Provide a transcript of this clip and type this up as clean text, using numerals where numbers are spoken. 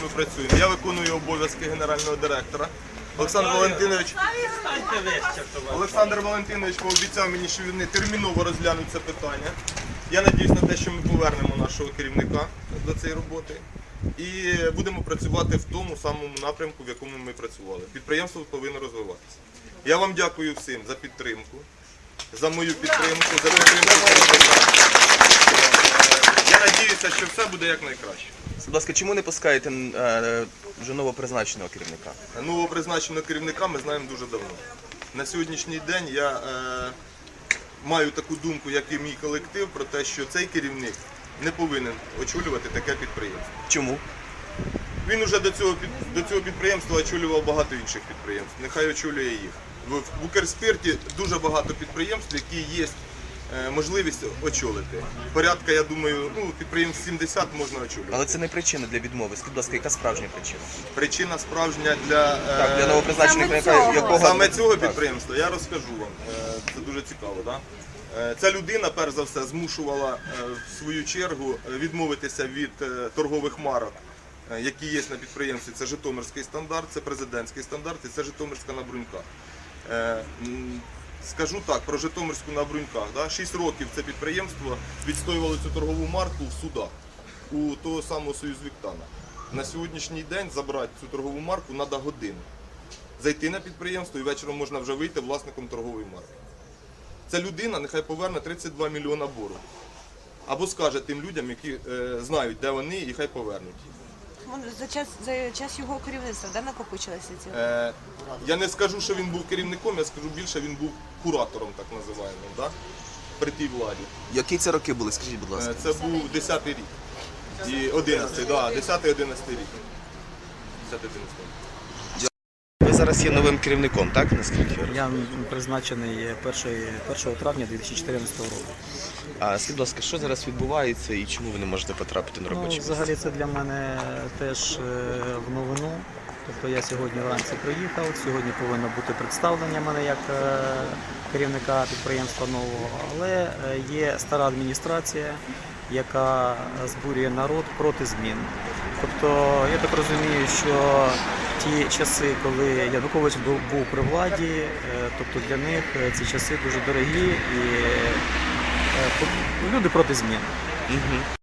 ми працюємо. Я виконую обов'язки генерального директора. Олександр Валентинович пообіцяв мені, що вони терміново розглянуть це питання. Я сподіваюся на те, що ми повернемо нашого керівника до цієї роботи. І будемо працювати в тому самому напрямку, в якому ми працювали. Підприємство повинно розвиватися. Я вам дякую всім за підтримку, за мою підтримку, за підтримку. Я сподіваюся, що все буде якнайкраще. Будь ласка, чому не пускаєте вже новопризначеного керівника? Новопризначеного керівника ми знаємо дуже давно. На сьогоднішній день я маю таку думку, як і мій колектив, про те, що цей керівник не повинен очолювати таке підприємство. Чому? Він вже до цього підприємства очолював багато інших підприємств. Нехай очолює їх. В Укрспирті дуже багато підприємств, які є можливість очолити. Порядка, я думаю, підприємств 70 можна очолювати. Але це не причина для відмови. Скажіть, будь ласка, яка справжня причина? Причина справжня для новопризначеного керівника, якого... Саме цього підприємства, я розкажу вам. Це дуже цікаво, так? Ця людина, перш за все, змушувала в свою чергу відмовитися від торгових марок, які є на підприємстві. Це Житомирський стандарт, це президентський стандарт і це Житомирська на Бруньках. Скажу так, про Житомирську на Бруньках. 6 років це підприємство відстоювало цю торгову марку в судах у того самого Союзвіктана. На сьогоднішній день забрати цю торгову марку треба годину. Зайти на підприємство і вечором можна вже вийти власником торгової марки. Ця людина нехай поверне 32 мільйона боргу. Або скаже тим людям, які знають, де вони, і хай повернуть. За час його керівництва, де накопичилися ці? Я не скажу, що він був керівником, я скажу більше, він був куратором, так називаємо, да? При тій владі. Які це роки були, скажіть, будь ласка? Це був 10-й рік. І 11-й, да, 10-11 рік. 10-11 рік. Ви зараз є новим керівником, так? Наскільки? Я призначений 1 травня 2014 року. А скажіть, будь ласка, що зараз відбувається і чому ви не можете потрапити на робоче місце? Взагалі це для мене теж в новину. Тобто я сьогодні вранці приїхав, сьогодні повинно бути представлення мене як керівника підприємства нового, але є стара адміністрація, яка збурює народ проти змін. Тобто я так розумію, що ті часи, коли Янукович був при владі, тобто для них ці часи дуже дорогі і люди проти змін.